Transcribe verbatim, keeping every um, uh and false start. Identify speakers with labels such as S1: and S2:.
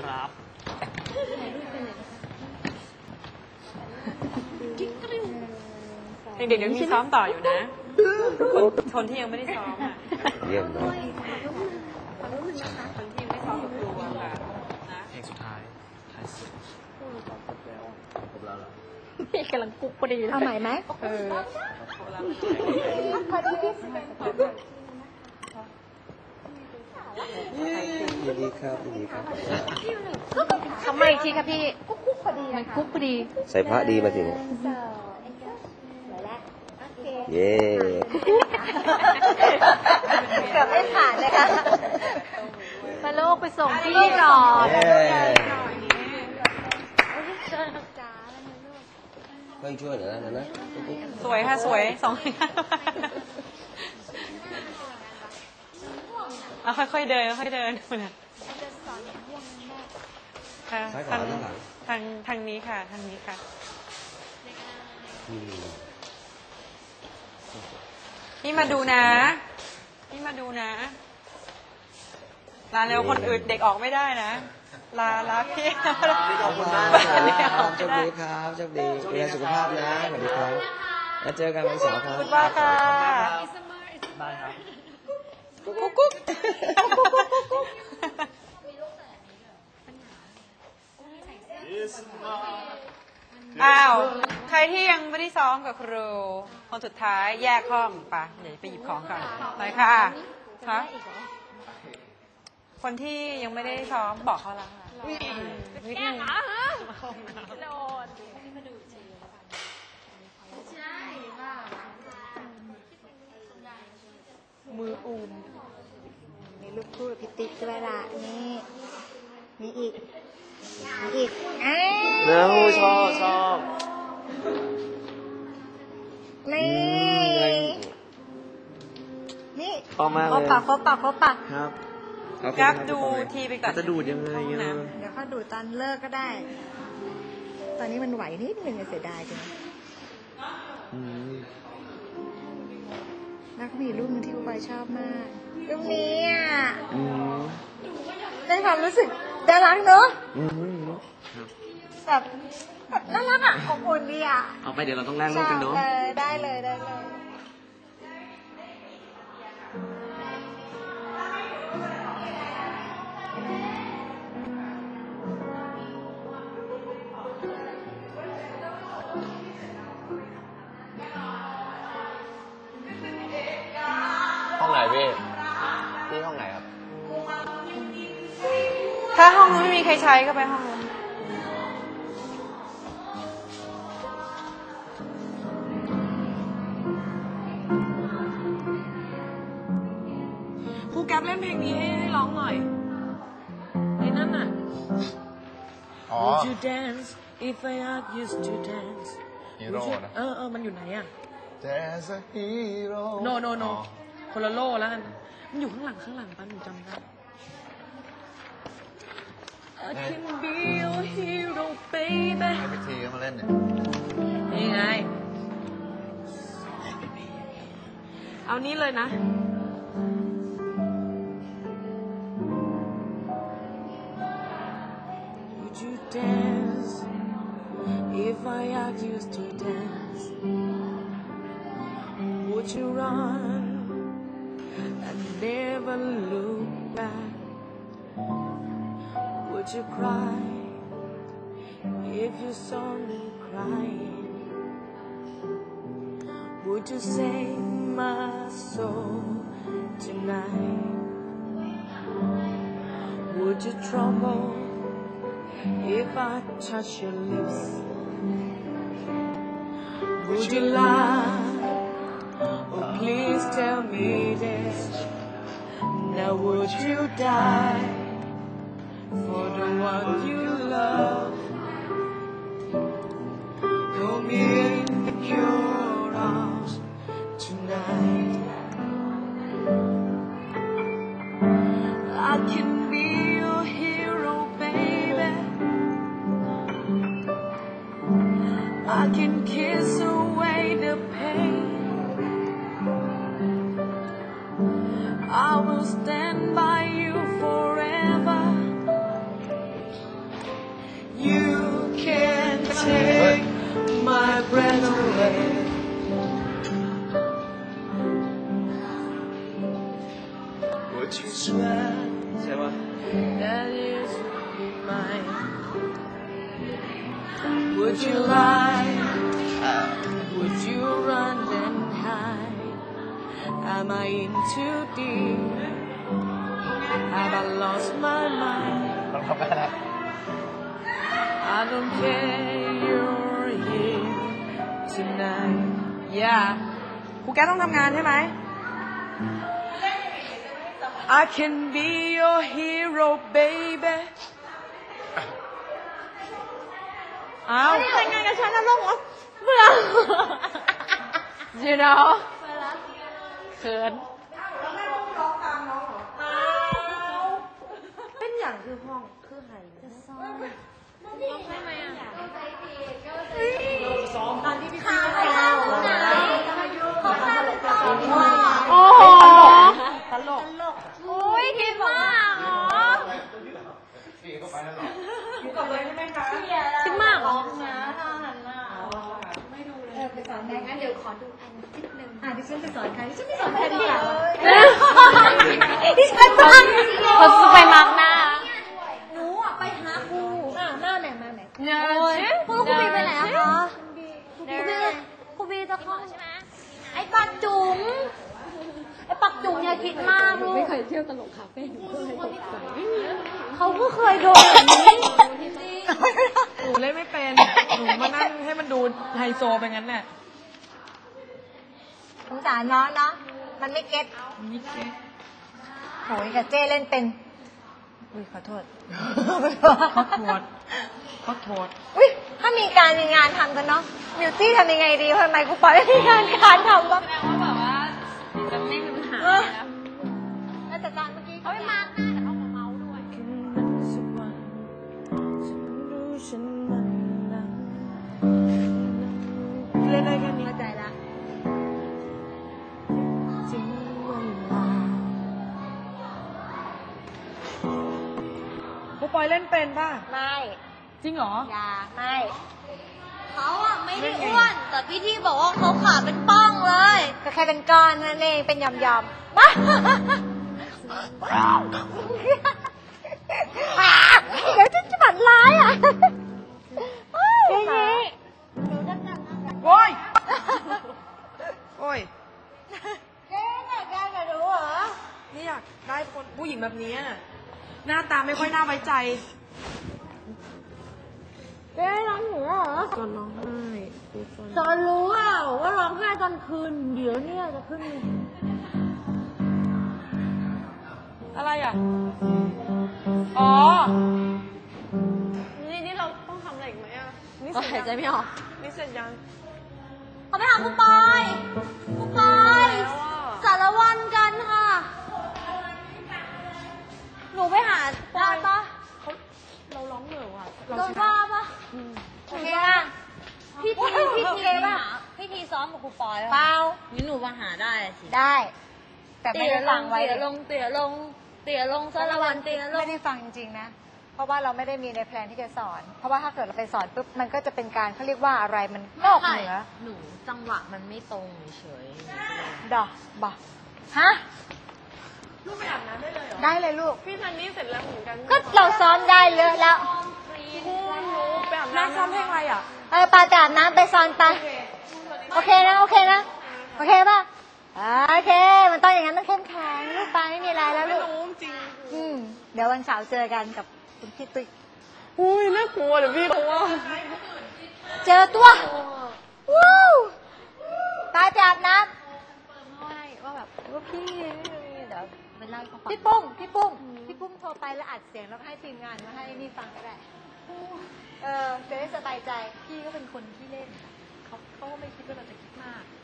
S1: ครับเด็กๆเดี๋ยวมีซ้อมต่ออยู่นะคนที่ยังไม่ได้ซ้อมอ่ะ
S2: เยี่ยมเลย
S1: คนที่ยังไม่ซ้อมกับครูอะค่ะนะ
S3: เพลงสุดท้ายท้ายสุดครบแล้วเหรอ
S4: พี่กำลังกุ๊กพอดีเอาใหม่ไหมเออ
S2: ยินดีครับยินดีครับ
S4: ทำไมอีกทีครับพี่กุ๊กพอดีมันกุ๊กพอดี
S2: ใส่พระดีมาสิเนี่ยเย้
S4: เกือบไม่ผ่านเลยค่ะมาโลกไปส่งพี่หน่อย
S2: เพิ่งช่วยเหรอนะนะ
S1: สวยค่ะสวยสองเอาค่อยๆเดินค่อยๆเดินนะทางทางทางทางนี้ค่ะทางนี้ค่ะนี่มาดูนะนี่มาดูนะลาเร็วคนอื่นเด็กออกไม่ได้นะลาลาพี่
S2: ขอบคุณมากครับโชคดีครับโชคดีดูแลสุขภาพนะสวัสดีครับแล้วเจอกันวันเสาร์ครับ
S1: ขอบคุณมากค่ะ
S3: ได้ครับ
S1: กุ๊กกุ๊กกุ๊กอ้าวใครที่ยังไม่ได้ซ้อมกับครูคนสุดท้ายแยกห้องไปเดี๋ยวไปหยิบของก่อนไปค่ะคะคนที่ยังไม่ได้ซ้อมบอกเขาแล้วค่ะนิดนึงมืออูม
S4: มีลูกคู่พิติกด้วยล่ะนี่มีอีกมีอีกอ้าว
S3: ชอบชอบ
S4: นี่นี่
S3: ชอบมากเลย
S4: ครบปากครบปากครบปาก
S3: ครับ
S1: ครับดูทีไปก่อน
S3: จะดูดยังไง
S4: เดี๋ยวเขาดูตอนเลิกก็ได้ตอนนี้มันไหวนิดนึงเสียดายจังแล้วก็มีรูปนึงที่คุณบอยชอบมากรูปนี้อ่ะได้ความรู้สึกน่ารักเนอะแบบน่ารักอ่ะอบอุ่นดีอ่ะ
S3: เอาไปเดี๋ยวเราต้องแลกรูปกันเนาะ
S4: ได้เลยได้เลย
S3: ห้องไหนพี่พี่ห้องไหนครับ
S1: ถ้าห้องนู้นไม่มีใครใช้ก็ไปห้องนู้นครูแก๊ปเล่นเพลงนี้ให้ให้ร้องหน่อยไอ้นั่นน่ะ
S3: อ๋อ
S1: Would you dance if I asked you to dance
S3: ฮีโร่นะ
S1: เออเออมันอยู่ไหนอ่ะ
S3: There's a hero
S1: no no no คนละโลแล้วกันมันอยู่ข้างหลังข้างหลังป้าหนูจำได้ I can be your hero baby
S3: ให้ไปทีมาเล่นเนี่ย
S1: นี่ไงเอานี้เลยนะWould you dance if I asked you to dance Would you run and never look back Would you cry if you saw me crying Would you save my soul tonight Would you tremble if I touch your lips Would you lie Oh please tell me this Now would you die For the one you love Hold me in your arms tonight I can be your hero baby I can kiss away the pain I will stand by you forever
S3: Would you swear
S2: ใช่ปะ
S3: that you should be mine? Would you lie? Would you run and hide? Am I in too deep? Have I lost my mind? I don't care, you're here tonight.
S1: อย่าครูแก้วต้องทำงานใช่ไหม
S3: I can be your hero, baby.
S1: อ้าว
S4: ไม่ได้ทำงานกับฉันนะลูกเบื่อ
S1: you know เขิน
S4: เป็นอย่างคือห้องคือใครจะซ้อมทำไมอ่ะซ้อมตอนที่พี่ข้าวไปแล้วเขาข้าวจะซ้อม
S1: โอ้โห
S4: ตลกโอ้ยคิดมากเหรอคิดมากเหรอนะถ้าหันหน้าไม่ดูเลยเออไปสอนแม่งั้นเดี๋ยวขอดูอันนิดนึงอ่ะดิฉันไปสอนใครดิฉันไปสอนใครดีอ่ะดิฉันฟัง
S1: เขาจะไปมักหน้า
S4: หนูอ่ะไปหาครูอ่ะหน้าไหนมาไหน
S1: เนื้อ
S4: ครูครูบีไปไหนอะคะครูบีครูบีจะเข้าใช่ไหมไอ้ปักจุ๋มไอ้ปักจุ๋มอย่าคิดมากลูกไม่เคยเที่ยวตลกคาเฟ่หนูก็เลยตกใจเขาก็เคยโดนแบบนี้
S1: หนูเล่นไม่เป็น หนูมานั่งให้มันดูไฮโซไปงั้นแหละ
S4: สงสารน้องเนาะมันไม่เก็ต
S1: นี่เก๊
S4: โหยกับเจ้เล่นเป็นอุ้ยขอโทษ
S1: เขาโทษเขาโทษ
S4: อุ้ยถ้ามีการมีงานทำกันเนาะบิวตี้ทำยังไงดีทำไมกูปล่อยให้มีงานการทำวะ
S1: แปลว่าแบบว่าจะไม่มีปัญหา
S4: เออแล้วแต่การเมื่อกี้เขาไม่มาหน้าแต่เขามาเมาด้วย
S3: สักวันฉันรู้ฉันมันนั้นเล่นได้แค่นี้
S4: เข้าใจละ
S3: ถึงเวลา
S1: ครูปอยเล่นเป็นป่ะ
S4: ไม่
S1: จริงเหรอ
S4: อย่าไม่เขาอะไม่ได้อ้วนแต่พี่ที่บอกว่าเขาขาเป็นป้องเลยก็แค่เป็นก้อนนั่นเองเป็นยำยำมาเดี๋ยวจะจะบัดร้ายอ่ะเย้
S1: โอ้ย โอ้ย
S4: เจ๊แต่แกจะรู้เหรอ
S1: นี่อยากได้คนผู้หญิงแบบนี้อะหน้าตาไม่ค่อยน่าไว้ใจ
S4: เจ๊ร้องหนูเหรอ
S3: ก่อนร้องไห้ดูก่อน
S4: ตอนรู้เปล่าว่าร้องไห้ตอนคืน เดี๋ยวเนี่ยจะขึ้น
S1: อะไรอ่ะ อ๋อ
S3: นี่นี่เราต้องทำอะไรอีกไหมอ่ะนี่
S4: ก็
S3: เสร็
S4: หาย
S3: จ
S4: ใจ
S3: ยัง
S4: ไม่ออก
S3: นี่เสร็จยัง
S4: เขาไปหาครูปอยครูปอยสารวันกันค่ะ หนูไปหาได้ปะ
S3: เราร้องเหนื่อยว่ะ
S4: โดนว่าปะโอเคป่ะพี่ทีพี่ทีป่ะพี่ทีซ้อมกับครูปอยเปล่า
S5: นี่หนูมาหาได้สิ
S4: ได้ แต่ไม่
S5: เตี๋ย
S4: ได้
S5: ล
S4: ฟั
S5: ง
S4: งไว้
S5: เตี๋ยลงเตี๋ยลงเตี๋ยลงสารวันเตี๋ยลง
S4: ไม่ได้ฟังจริงๆนะ เพราะว่าเราไม่ได้มีในแพลนที่จะสอน เพราะว่าถ้าเกิดเราไปสอนปุ๊บมันก็จะเป็นการเขาเรียกว่าอะไรมันนอกเหนือ
S5: หนูจังหวะมันไม่ตรงเฉย
S4: ดอกบะฮะ
S3: ลูกไปอาบน้ำได้เลยเหรอ
S4: ได้เลยลูก
S3: พี่ซันนี่เสร็จแล้วเหมือนกัน
S4: ก็เราซ้อมได้เยอะแล้ว
S3: คู่หนูไปอาบ
S1: น้า
S3: น้ำ
S1: ซ้อมเพลงอะไรอ่ะ
S4: เออปาจะอาบน้ำไปซ้อนไป โอเคนะ โอเคนะ โอเคป่ะอ่าโอเค มันต้องอย่างนั้นต้องเข้มแข็งลูกไปไม่มีอะไรแล้ว
S3: ไม่
S4: ลูก
S3: รู้จริง
S4: อืมเดี๋ยววันเสาร์เจอกันกับคุณพี่ตุ้ย
S3: อุ้ยน่ากลัวเดี๋ยวพี่รู้ว่า
S4: เจอตัวว้าวตายไปอาบน้
S5: ไม่ว่าแบบว่าพี่เดี๋ยวไปเล่าให้เขาฟั
S4: ำ
S5: ง
S4: พี่ปุ้ม พี่ปุ้ม พี่ปุ้มโทรไปแล้วอัดเสียงแล้วก็ให้ทีมงานมาให้นี่ฟังก็ได้ เออจะได้สบายใจ พี่ก็เป็นคนที่เล่น เขาเขาก็ไม่คิดว่าเราจะคิดมาก